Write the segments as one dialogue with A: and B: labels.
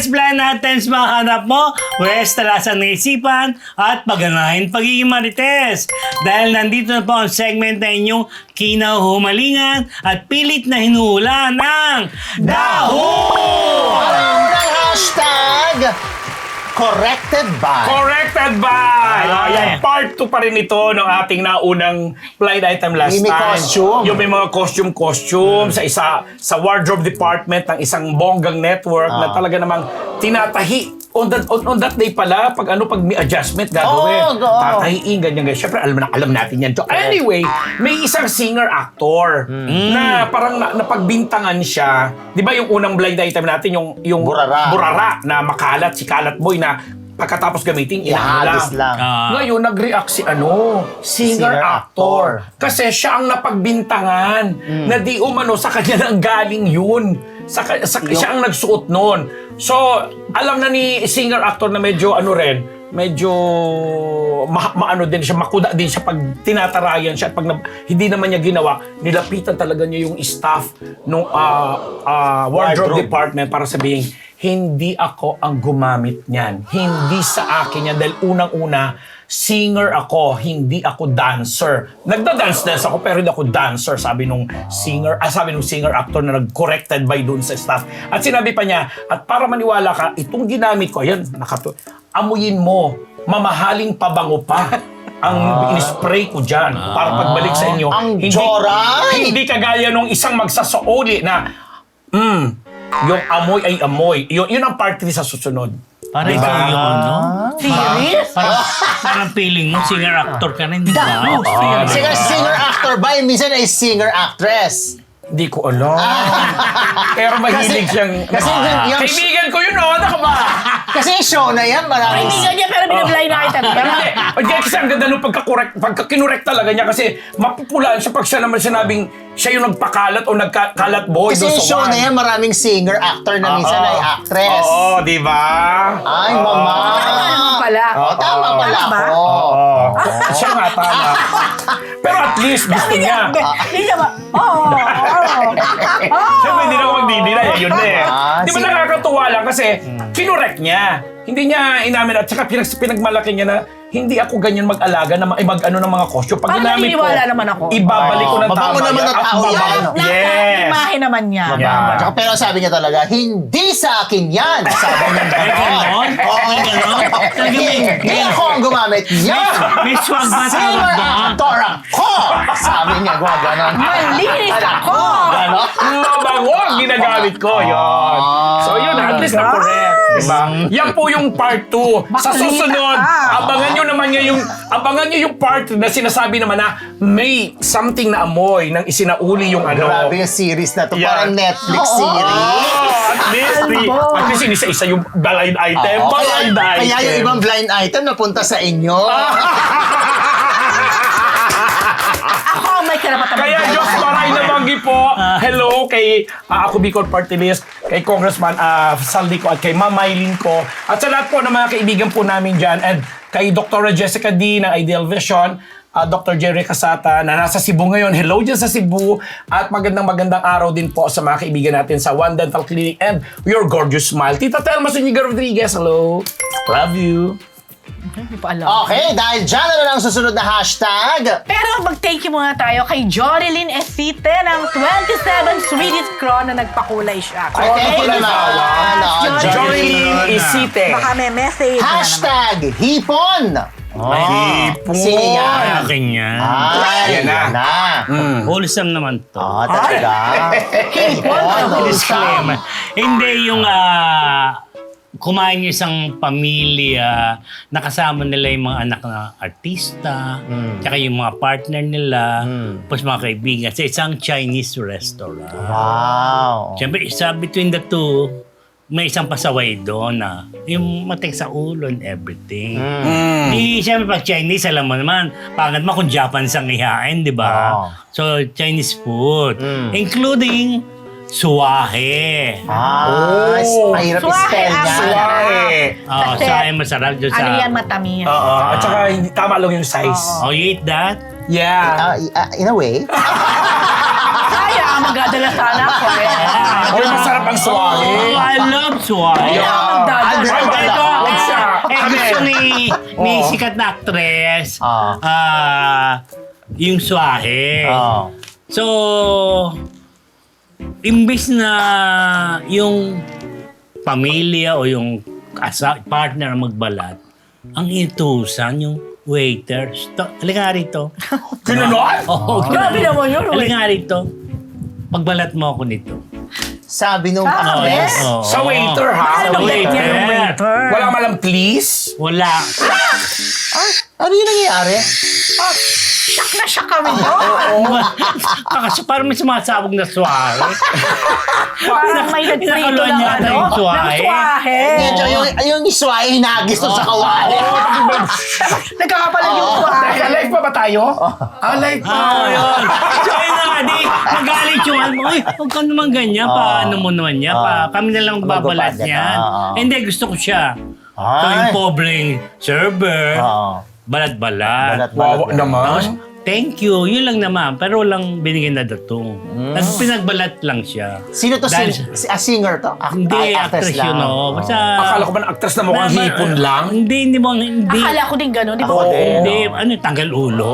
A: blind items mahanap mo, pwes talasan ng isipan at pagganahin pagiging marites. Dahil nandito na po ang segment na inyong kinahumalingan at pilit na hinuhula ng Daho!
B: Ang hashtag corrected by.
C: Corrected by!
A: Ah,
C: Ayan,
A: yeah.
C: part 2 pa rin ito ng ating naunang blind item last
B: Yung may
C: time.
B: costume.
C: Yung may mga costume sa wardrobe department ng isang bonggang network na talaga namang tinatahi. On that day pala, pag may adjustment gagawin. Tatahiin, ganyan. Siyempre, alam natin yan. So, anyway, may isang singer-actor na parang napagbintangan siya. Di ba yung unang blind item natin, yung burara na makalat, si Kalat Boy na pagkatapos gamitin,
B: Ihagis lang.
C: Ngayon, nag-react si singer-actor. Kasi siya ang napagbintangan na di umano sa kanya nang galing yun. Siya ang nagsuot nun. So, alam na ni singer-actor na medyo maano din siya, makuda din siya pag tinatarayan siya at pag hindi naman niya ginawa, nilapitan talaga niya yung staff ng wardrobe department para sabihin, hindi ako ang gumamit niyan. Hindi sa akin yan dahil unang-una, singer ako, hindi ako dancer. Nagda-dance ako pero hindi ako dancer, sabi nung singer-actor na nag-corrected by dun sa staff. At sinabi pa niya, at para maniwala ka, itong ginamit ko, ayan, amuyin mo, mamahaling pabango pa ang in-spray ko dyan para pagbalik sa inyo.
B: Ang joray!
C: Hindi kagaya nung isang magsasauli na, yung amoy ay amoy. Yun ang part 3 sa susunod.
A: Parang ikaw yun, no?
D: Serious?
A: Parang feeling mo, singer-actor ka rin, di ba?
B: Singer-actor ba? Minsan ay singer-actress.
C: Hindi ko alam. Pero mahilig siyang...
B: Kasi yung...
C: Kaibigan ko yun, ano ka ba?
B: Kasi show na yan, maraming...
D: Kaibigan niya pero binablind item.
C: Hindi, kasi ang ganda nung pagka-kinorek talaga niya kasi mapupulaan siya pag siya naman sinabing siya yung nagpakalat o nagkalat boy
B: Kasi
C: doon
B: yung
C: sa
B: show
C: one.
B: na yan, maraming singer-actor na minsan ay actress.
C: Oo, di ba?
B: Ay, mama.
D: Tama naman pala.
B: Tama pala
D: Tama ba?
B: ako.
C: Siya nga, tama. Pero at least gusto niya.
D: Hindi siya ba? Oo.
C: Siyempre, hindi na ako magdidila. Yun na eh. Di ba
B: sige.
C: nakakatuwa lang kasi kinorek niya. Hindi niya inamin at saka pinagmalaki niya na hindi ako ganyan mag-alaga na mag-ano ng mga costume. Pag
D: Parang
C: ginamit ko,
D: naniniwala naman ako.
C: ibabalik ko ng
B: Mabango
C: tama
B: naman
C: yan
B: ang
C: at
B: tao yan.
C: babalik. Yes.
D: Imahe naman niya.
C: Yeah.
B: Tsaka, pero sabi niya talaga, hindi sa akin yan. Sabi niya
A: May ganon? May ganon? Talaga
B: Hindi ako ang gumamit yan.
A: May swag ba tawag doon?
B: Singer-actor ako. Sabi niya, gano'n.
D: Malinis ako!
B: Gano'n.
C: Mabango ang ginagamit ko. Yun. So yun, at least na correct. Diba? Yan po yung part 2. Sa susunod, abangan nyo yung part na sinasabi naman na may something na amoy nang isinauli yung ano.
B: Grabe yung series na to.
C: Yeah.
B: Parang Netflix series.
C: At least inisa-isa yung blind item. Blind item.
B: Kaya yung ibang blind item napunta sa inyo.
D: Ako ang may karapatan.
C: Kaya Diyos Maray na Manggi po. Hello kay ako Bicol Party List, kay Congressman Saldi ko at kay Ma'am Mylene ko. At sa lahat po ng mga kaibigan po namin dyan and kay Dr. Jessica D ng Ideal Vision, Dr. Jerry Casata na nasa Cebu ngayon. Hello dyan sa Cebu. At magandang araw din po sa mga kaibigan natin sa One Dental Clinic and Your Gorgeous Smile. Tita Telma Zuniga Rodriguez, hello. Love you.
D: Hindi pa alam.
B: Okay, dahil dyan na lang ang susunod na hashtag.
D: Pero mag-thank you muna tayo kay Jorilyn Esite ng 27 Swedish Crown na nagpakulay siya.
B: Ay, thank you naman.
C: Jorilyn Isite.
D: Baka may message.
B: Hashtag hipon.
C: Hipon.
B: Sige nga.
A: Akin yan.
B: Ay,
C: Yan na.
A: Wholesome naman to.
B: Talaga. Hipon.
A: Disclaimer. Hindi yung kumain yung isang pamilya, nakasama nila yung mga anak na artista, tsaka yung mga partner nila, plus mga kaibigan sa isang Chinese restaurant.
B: Wow.
A: Siyempre, between the two, may isang pasaway doon na yung matik sa ulo and everything. Siyempre, pag Chinese, alam mo naman, pangit mo kung Japanese ang ihain, di ba?
B: Oh.
A: So, Chinese food, including suwahe.
B: Mahirap i-spell niya.
C: Suwahe.
D: Kasi,
A: Suwahe masarap dyan sa...
D: ano yan, matamis.
C: Oo. At saka hindi tama lang yung size.
A: Oh, you eat that?
C: Yeah.
B: In a way.
D: Kaya, maganda Magdadala sana ako eh.
C: Uy, masarap ang swahe.
A: Oh, I love swahe. Ito,
C: Wag siya.
A: gusto ni sikat na actress, yung swahe. So, imbis na yung pamilya o yung partner ang magbalat, ang itusan yung waiter. Halika nga rito.
C: Gano'n?
A: Oo.
D: Grabe naman yun.
A: Halika nga rito. Pagbalat mo ako nito.
B: Sabi nung
D: Ah,
B: actress.
A: Oo.
C: Sa waiter, ha?
D: Ano
A: Sa
D: bet niya yung waiter?
C: Wala malang please?
A: Wala.
B: Ano yung nangyayari?
D: Shock na shock kami doon.
A: Kasi parang may sumasabog na swahe.
D: Parang may nagprito
A: Pinakaluan
D: ng
A: yata
D: ano,
A: yung swahe.
D: ng swahe.
B: Medyo yung iswahe hinagis doon sa kawali.
D: Nagkakapalag yung swahe.
C: Teka, live pa ba tayo? Live pa.
A: Yun. So, yun na nga, di, magalit yung ano, uy, huwag ka naman ganyan, paano mo naman niya, kami na lang magbabalat
B: Magbabalat
A: niyan.
B: ka,
A: Hindi, gusto ko siya. So,
B: Ay.
A: yung pobreng server,
B: Oo.
A: balat-balat.
C: Wawa naman.
A: Tapos, thank you, yun lang naman, pero walang binigyan na datong. Pinagbalat lang siya.
B: Sino to?
A: Dahil-
B: Singer to?
A: Hindi, actress yun, no? Basta,
C: Akala ko ba na actress na mukhang hipon lang?
A: Hindi mo, hindi.
D: Akala ko din gano'n, di ba?
B: Ako din.
A: Hindi, ano, tanggal ulo.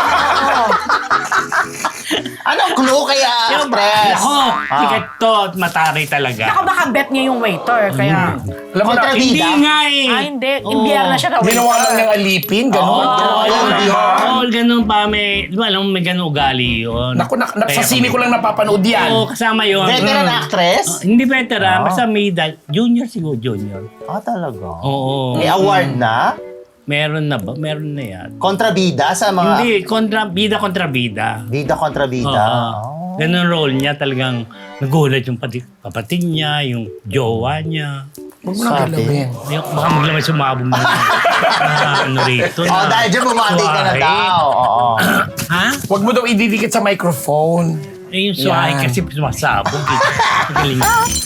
B: Anong clue kaya actress?
A: Ako, sikat to, at mataray talaga.
D: Ako baka bet niya yung waiter, kaya...
C: Alam mo na,
B: Kontrabida.
A: Hindi nga eh.
D: Hindi.
A: Oo.
D: Imbiyer na siya ka waiter.
C: ginawa lang niyang alipin, gano'n.
A: Oo, ganun pa. Di ba, alam mo, may ganun ugali yun.
C: Naku, sa
A: Kaya
C: sine
A: kami-
C: ko lang napapanood yan.
A: Oo, kasama yun.
B: Veteran actress?
A: Hindi veteran, basta may junior siguro, junior.
B: Talaga?
A: Oo.
B: May award na?
A: Meron na ba? Meron na yan.
B: Kontrabida sa mga...
A: Hindi, bida kontra bida.
B: Bida kontrabida.
A: Oo. Ganun role niya, talagang nagulat yung kapatid niya, yung jowa niya.
C: Huwag mo nang galawin.
A: Yung, baka maglamay sumabong na ano rito.
B: Oh, dahil dyan bumati ka na
A: Swahe.
B: daw. Oo.
A: Ha?
C: Huwag mo daw ididikit sa microphone.
A: Eh, yung swahe
C: Yan.
A: kasi sumasabog. Magaling.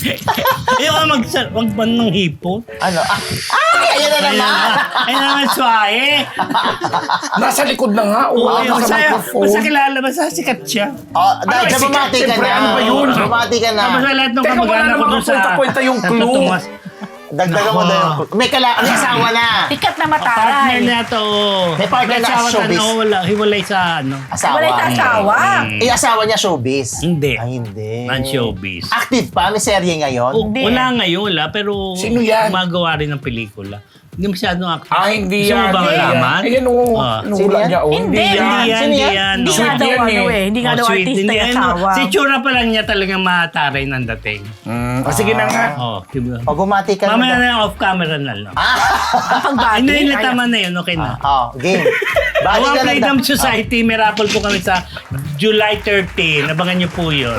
A: Wag ba ng hipon?
B: Ano? Ayan na naman!
A: Ay naman swahe.
C: Nasa likod na nga.
A: Oo,
C: Sa microphone.
A: basta kilala, basta sikat siya.
B: Oh, dahil dyan
C: sikat,
B: bumati ka
C: siyempre,
B: na.
C: ano ba yun?
B: Bumati ka na.
A: Basta lahat ng
C: Teka, wala
A: kamag-anak ko
C: namang
A: doon sa...
C: kwenta-kwenta yung clue.
A: Tumas.
B: Dagdagan mo daw yung... May asawa na.
D: Sikat na
A: Partner
D: mataray.
A: na to.
B: May partner na
A: Asawa
B: showbiz.
A: na, wala, hiwalay sa ano.
B: Asawa.
D: Wala yung asawa.
B: Eh, asawa niya showbiz.
A: Hindi.
B: Ay, hindi.
A: Non-showbiz.
B: Active pa? May serye ngayon?
A: Oh,
D: Hindi.
A: wala ngayon, wala. Pero
C: Sino yan?
A: gumagawa rin ng pelikula. Hindi masyadong actor.
C: Hindi
A: Gusto mo
C: yan.
A: ba malaman?
C: Ayan o.
B: Sino yan?
C: niya o.
D: Hindi.
A: Hindi yan,
B: Sino
A: hindi
B: yan?
A: yan.
D: Hindi
A: no.
D: nga daw
C: yan
D: ano
C: eh.
D: eh. Hindi nga daw
A: sweet,
D: artista
A: hindi,
D: yung
A: ano,
D: asawa.
A: Si tsura pa lang niya talagang mataray ng dating.
C: Sige na nga.
A: Oh, diba?
B: Pag bumati ka
A: Mamaya
B: na.
A: na off camera na lang.
D: Pagbati.
A: Hindi na tama na yun, okay na.
B: Game. Bati
A: Our
B: ka na.
A: Freedom Society, may raffle po kami sa July 13. Abangan niyo po yun.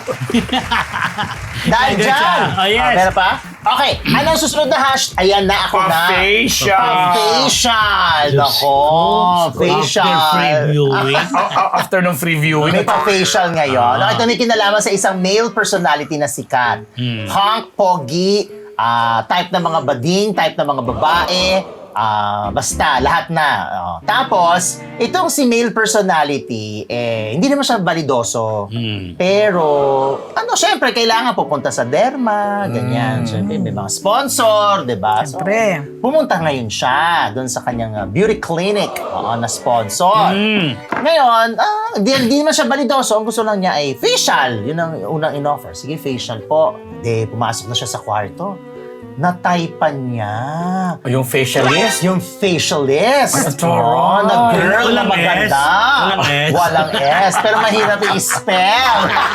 B: Dahil
A: Good
B: dyan.
A: job. Oh, yes.
B: Meron pa? Okay. Anong susunod na hash? Ayan na ako na.
C: Pa-facial.
B: Facial. Nako. Facial.
A: After previewing.
C: After ng free viewing.
B: May pa-facial ngayon. Ito may kinalaman sa isang male personality na sikat. Hunk, pogi, type ng mga bading, type ng mga babae, basta, lahat na. Tapos, itong si male personality, hindi naman siya balidoso. Pero, syempre, kailangan pupunta sa derma, ganyan. Syempre, may mga sponsor, di ba? So,
D: Syempre.
B: pumunta ngayon siya doon sa kanyang beauty clinic na sponsor. Ngayon, di naman siya balidoso. Ang gusto lang niya ay facial. Yun ang unang in-offer. Sige, facial po. Pumasok na siya sa kwarto. Nataypan niya.
C: Yung facialist.
B: Yung facialist.
C: Taray.
B: Na girl na
A: Walang
B: maganda.
A: S. Walang S.
B: Walang S. Pero mahirap i-spell.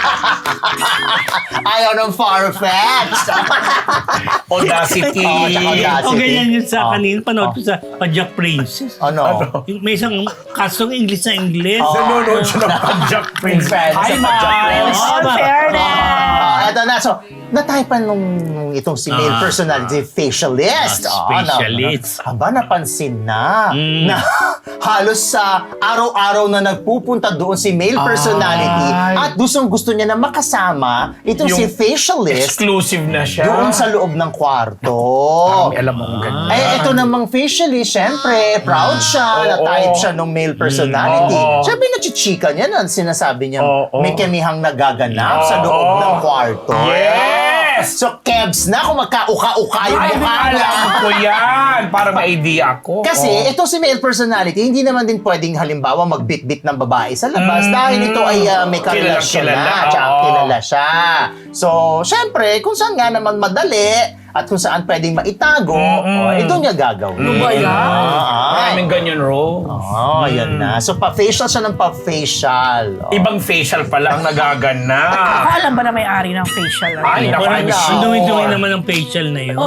B: Ayaw ng far-fetched.
C: Audacity.
B: Oh, tsaka Audacity.
A: O ganyan yun sa kanina. Panood ko sa Pajak Princess.
B: Ano?
A: Yung may isang kasong English na English.
C: Nanonood siya ng Pajak Prince.
B: Hi,
C: Miles.
D: All fairness.
B: Eto na. So, nataypan nung itong si male personality facialist.
A: Facialist.
B: Aba, napansin na. Na halos sa araw-araw na nagpupunta doon si male personality At gusto niya na makasama itong si
C: Yung
B: facialist
C: Exclusive na siya.
B: doon sa loob ng kwarto.
C: May alam mong ganyan.
B: Eh, ito namang facialist, syempre, proud siya, na
C: Oo.
B: type siya ng male personality.
C: Oo.
B: Syempre, nachichika niya na, sinasabi niya,
C: Oo.
B: may kamihang nagaganap sa loob
C: Oo.
B: ng kwarto.
C: Yes!
B: So, Kebs na kung magkauka-uka yung
C: Ay,
B: mukha niya.
C: alam ko yan. Para ma-idea ako.
B: Kasi
C: Oo.
B: ito si male personality, hindi naman din pwedeng halimbawa magbit-bit ng babae sa labas dahil ito ay may karelasyon
C: Kilala,
B: na, tsaka
C: oo.
B: kilala siya. So, syempre, kung saan nga naman madali at kung saan pwedeng maitago, ito niya gagawin.
D: Ano ba yan?
C: Maraming ganyan, Ro.
B: Oh, yan na. So, pa-facial siya ng pa-facial. Oh.
C: Ibang facial pala ang nagaganap.
D: Ako alam ba na may-ari ng facial?
C: Ay, naku,
A: Parang
C: I'm
A: ang
C: sure.
A: dumi-dumi naman ng facial na yun.
D: Oo.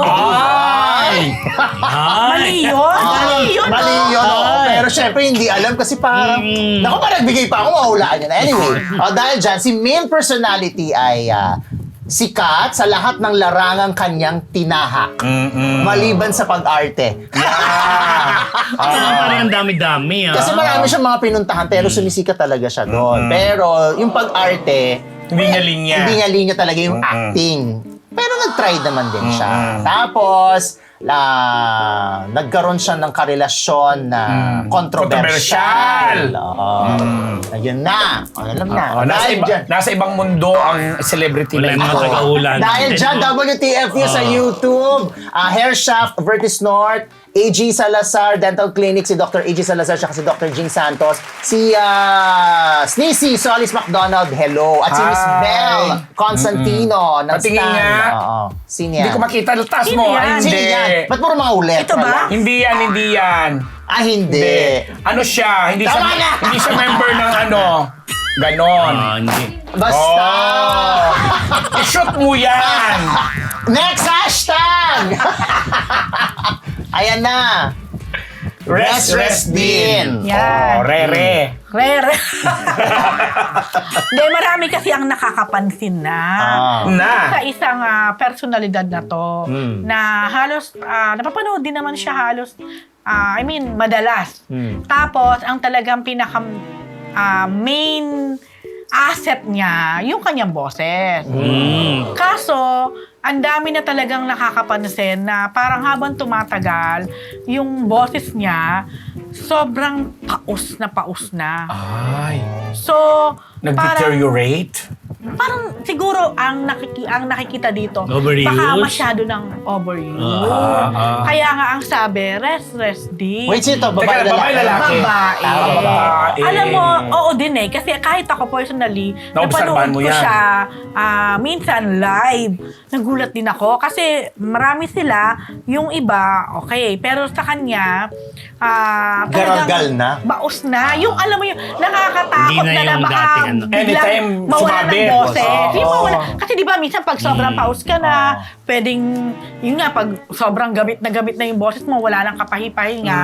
C: Ay!
D: Mali yun? Mali yun,
B: Mali
D: oh.
B: yun, oo. Pero syempre, hindi alam kasi parang, naku, parang nagbigay pa ako, mahulaan yun. Anyway, dahil dyan, si male personality ay sikat sa lahat ng larangang kanyang tinahak. Maliban sa pag-arte.
A: Parang ang dami-dami.
B: Kasi marami siyang mga pinuntahan, pero sumisikat talaga siya doon. Pero yung pag-arte,
C: Hindi niya linya.
B: hindi niya linya talaga yung acting. Pero nag-try naman din siya. Tapos, nagkaroon siya ng karelasyon na kontrobersyal. Oo. Ayun na. Alam na. Dahil dyan.
C: Nasa ibang mundo ang celebrity
A: Wala
C: na
A: yung mga
C: ito.
A: tagahula.
B: Dahil dyan, WTFU sa YouTube, Hair Shaft, Vertis North, AG Salazar Dental Clinic, si Dr. AG Salazar, siya si Dr. Jing Santos, si Sneezy Solis McDonald, hello, at si Miss
C: Hi.
B: Belle Constantino ng
C: Patingin
B: Stan.
C: nga.
B: Oo. Sino
C: Hindi
B: yan?
C: ko makita. Taas
D: Sino
C: mo.
D: yan?
C: Ay,
B: Sino
C: hindi.
B: yan? Ba't puro mga ulit?
D: Ito ba?
C: Hindi yan, hindi yan.
B: Ah, hindi.
C: Hindi. Ano siya? Hindi siya,
B: Tama na!
C: hindi siya member ng ano. Ganon.
A: Hindi.
B: Basta.
C: Oh. I-shoot mo yan.
B: Next hashtag! Ayan na. Rest din.
D: Yan.
C: Oh, Rere.
D: Rare. Hindi, marami kasi ang nakakapansin na. Sa isang personalidad na to, na halos, napapanood din naman siya halos, madalas. Tapos, ang talagang pinaka main asset niya, yung kanyang boses. Kaso, ang dami na talagang nakakapansin na parang habang tumatagal, yung boses niya, sobrang paus na.
C: Ay.
D: So,
C: Nag-deteriorate?
D: parang siguro ang nakikita dito,
A: Overuse?
D: baka masyado ng overuse. Kaya nga ang sabi, rest din.
B: Wait, sino to? Babae,
C: Teka, babae, lalaki?
D: Babae.
C: Babae.
D: Alam mo, oo din eh. Kasi kahit ako personally,
C: Naobserbahan
D: napanood
C: mo
D: ko
C: yan.
D: siya minsan live. Nagulat din ako. Kasi marami sila, yung iba, okay. Pero sa kanya,
B: Garagal na?
D: baos na. Yung alam mo yung nakakatakot
A: Hindi na
D: na
A: yung
D: baka
A: dating ano.
D: biglang
C: Anytime
D: mawala ng
C: sumabi.
D: boses.
B: Oo.
D: Yung mawala. Kasi di ba minsan pag sobrang paus ka na, pwedeng, yun nga, pag sobrang gamit na yung boses mo, wala nang kapahi-pahinga,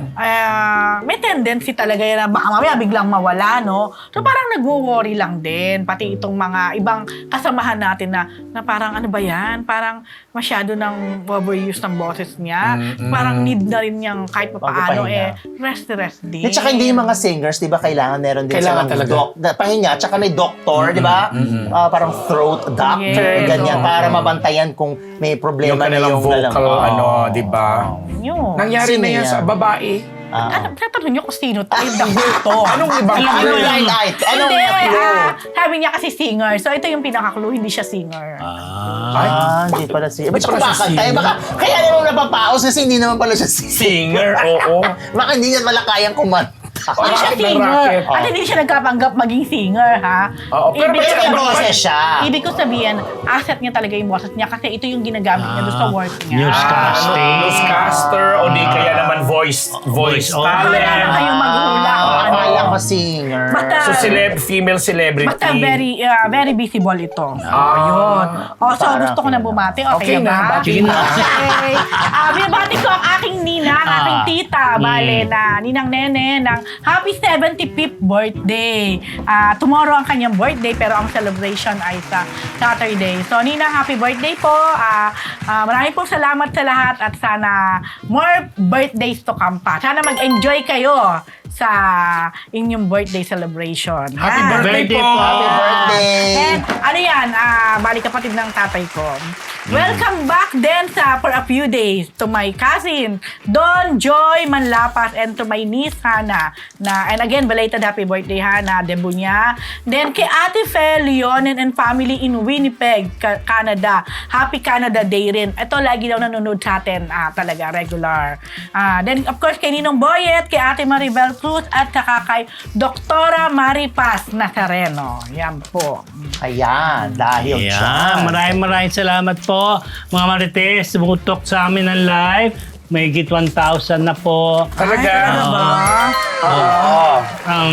D: may tendency talaga yan na baka mamaya biglang mawala, no? So parang nagwo-worry lang din, pati itong mga ibang kasamahan natin na parang ano ba yan? Parang masyado ng overuse ng boses niya. Parang need na rin niyang kahit paano rest din.
B: At saka hindi yung mga singers, di ba, kailangan meron din
C: Kailangan
B: silang
C: talaga.
B: pahinga, tsaka may doktor, di ba? Parang throat doctor,
D: Yes,
B: ganyan,
D: oo.
B: para mabantayan kung may
C: Yung
B: problema na
C: kanilang
B: yung
C: vocal, di ba?
D: Yun.
C: Nangyari
B: Sino
C: na yan
B: yan?
C: sa babae.
D: Ano, tatanong niyo kung sino to? Yung to.
C: Anong ibang
B: Anong
C: clue?
B: line light? Anong
D: Hindi,
B: clue?
D: sabi niya kasi singer. So, ito yung pinaka-clue, hindi siya singer.
B: Hindi pala siya. Ba't
C: Hindi pala siya
B: siya baka, kaya naman napapaos kasi hindi naman pala siya singer.
C: Singer, oo.
B: Baka hindi niya pala kayang kumanta.
D: Hindi siya
C: Racket ng
D: singer.
C: racket.
D: At hindi siya nagkapanggap maging singer, ha?
C: Oo, pero
D: Ibig
B: Pero may
D: sabihin-
B: boses siya.
D: Ibig ko sabihin, asset niya talaga yung boses niya kasi ito yung ginagamit niya doon sa work niya.
A: Newscasting.
C: Newscaster o di kaya naman voice
A: Voice over.
C: talent.
D: Kaya na kayong maghula kung ano.
B: Akala ko singer.
D: Basta,
C: So, female celebrity.
D: basta very visible ito. Yun. So,
B: Parang
D: gusto ko na bumati. Okay,
C: Okay na,
D: ba?
C: bati
A: na.
D: Okay. Binabati ko ang aking ninang, aking tita, bale na ninang Nene ng happy 75th birthday. Tomorrow ang kanyang birthday pero ang celebration ay sa Saturday. So, Ninang, happy birthday po. Maraming pong salamat sa lahat at sana more birthdays to come pa. Sana mag-enjoy kayo sa inyong birthday celebration.
C: Happy
D: Ha?
C: birthday
A: Birthday
C: po!
A: po.
B: Happy birthday!
D: And ano yan, bali kapatid ng tatay ko. Welcome back din for a few days to my cousin, Don Joy Manlapas, and to my niece, Hannah. And again, belated happy birthday, Hannah, debut niya. Then kay Ate Fe Leonen and family in Winnipeg, Canada. Happy Canada Day rin. Ito, lagi daw nanonood sa atin, talaga, regular. Then, of course, kay Ninong Boyet, kay Ate Maribel Cruz, at saka kay Doktora Maripas Nazareno. Yan po.
B: Ayan, dahil
A: Yeah,
B: dyan.
A: maraming salamat po, mga Marites. Tumutok sa amin ng live. May higit 1,000 na po.
C: Talaga?
A: Ang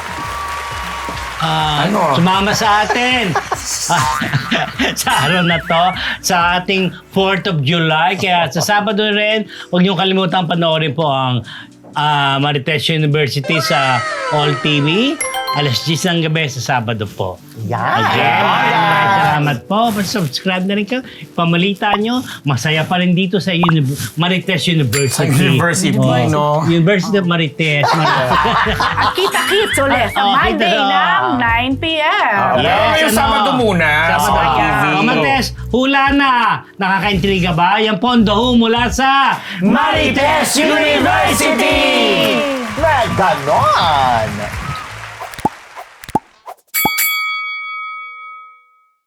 C: Ano?
A: sumama sa atin sa araw na to, sa ating 4th of July. Kaya sa Sabado rin, huwag niyong kalimutan panoorin po ang Marites University sa All TV. Alas 10 ng gabi sa Sabado po.
B: Yan.
A: Again, maraming salamat po. Subscribe na rin kayo. Pamalita nyo, masaya pa rin dito sa Marites University.
C: University, no?
A: University of Marites.
D: At kita-kits ulit sa
A: Oh,
D: Monday
A: kita.
D: ng 9 p.m.
C: Pero ngayong Sabado muna.
A: Sabado.
C: Sa TV.
A: Marites, hula na. Nakakaintriga ba? Yan po ang daho mula sa
C: Marites University!
B: Na ganon.